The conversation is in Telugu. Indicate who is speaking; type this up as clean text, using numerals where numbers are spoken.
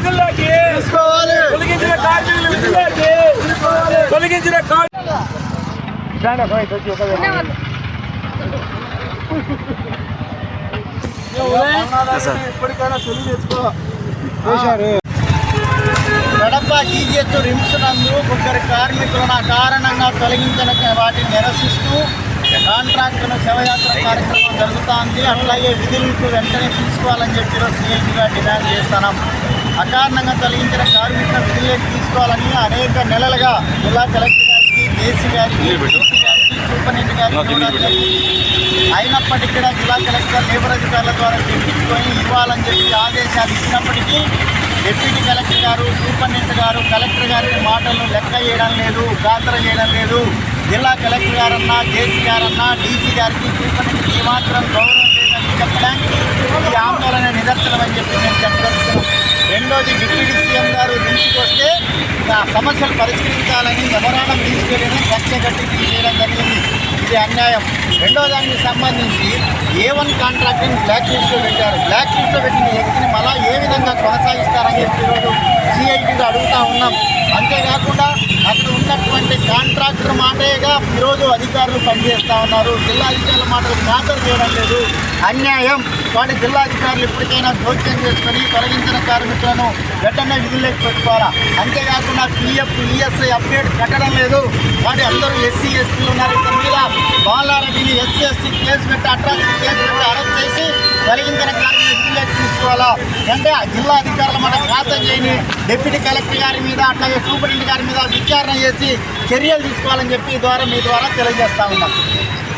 Speaker 1: విధుల్లోకి తొలగించిన కార్మికుల విధుల్లోకి తొలగించిన
Speaker 2: ఇప్పటికైనా తెలుగు తెచ్చుకో. కడప జీజీహెచ్ రిమ్స్ నందు ముగ్గురు కార్మికులను అకారణంగా తొలగించిన వాటిని నిరసిస్తూ కాంట్రాక్టును శవయాత్ర కార్యక్రమం జరుగుతోంది. అట్లాగే విధులకు వెంటనే తీసుకోవాలని చెప్పి సీఎంగా డిమాండ్ చేస్తున్నాం. అకారణంగా తొలగించిన కార్మికుల విధుల్లోకి తీసుకోవాలని అనేక నెలలుగా జిల్లా కలెక్టర్ గారికి, జేసీ గారికి, సూపరింటెండెంట్ గారికి అయినప్పటికీ కూడా జిల్లా కలెక్టర్ లేబర్ అధికారుల ద్వారా తెప్పించుకొని ఇవ్వాలని చెప్పి ఆదేశాలు ఇచ్చినప్పటికీ డిప్యూటీ కలెక్టర్ గారు, సూపరింటెండెంట్ గారు కలెక్టర్ గారి మాటలను లెక్క చేయడం లేదు, ఖాతరు చేయడం లేదు. జిల్లా కలెక్టర్ గారన్నా, జేసీ గారన్నా, డీసీ గారికి, సూపరింటెండెంట్ ఏమాత్రం గౌరవం లేదని చెప్పడానికి ఈ ఆందోళన నిదర్శనం అని చెప్పి నేను చెప్పగలుగుతున్నాను. రెండోది డిప్యూటీ సీఎం గారు దృష్టికి వస్తే సమస్యలు పరిష్కరించాలని మెమోరాండం తీసుకెళ్ళి కక్ష కట్టి తీసేయడం జరిగింది. ఇది అన్యాయం. రెండో దానికి సంబంధించి A1 కాంట్రాక్ట్ని బ్లాక్ లిస్ట్లో పెట్టారు. బ్లాక్ లిస్ట్లో పెట్టిన వ్యక్తిని మళ్ళా ఏ విధంగా కొనసాగిస్తారని చెప్పి ఈరోజు సిఐటిగా అడుగుతూ ఉన్నాం. అంతేకాకుండా అక్కడ ఉన్నటువంటి కాంట్రాక్టర్ మాటేగా ఈరోజు అధికారులు పనిచేస్తూ ఉన్నారు. జిల్లా అధికారుల మాటలు ఖాతరు చేయడం లేదు, అన్యాయం. వాటి జిల్లా అధికారులు ఇప్పటికైనా జోక్యం చేసుకొని తొలగించిన కార్మికులను వెంటనే విధుల్లోకి పెట్టుకోవాలా. అంతేకాకుండా PF, ESI అప్డేట్ కట్టడం లేదు. వాటి అందరూ SC, STలు ఉన్నారు. ఇక్కడ మీద బాలారెడ్డిని SC, ST కేసు పెట్టి అట్రాసిటీ కేసు పెట్టి అరెస్ట్ చేసి తొలగించిన కార్మికులు విధుల్లోకి తీసుకోవాలా. అంటే జిల్లా అధికారుల మాట ఖాతరు చేయని డిప్యూటీ కలెక్టర్ గారి మీద, అట్లాగే సూపరింటెండెంట్ గారి మీద విచారణ చేసి చర్యలు తీసుకోవాలని చెప్పి మీ ద్వారా తెలియజేస్తా ఉన్నాం.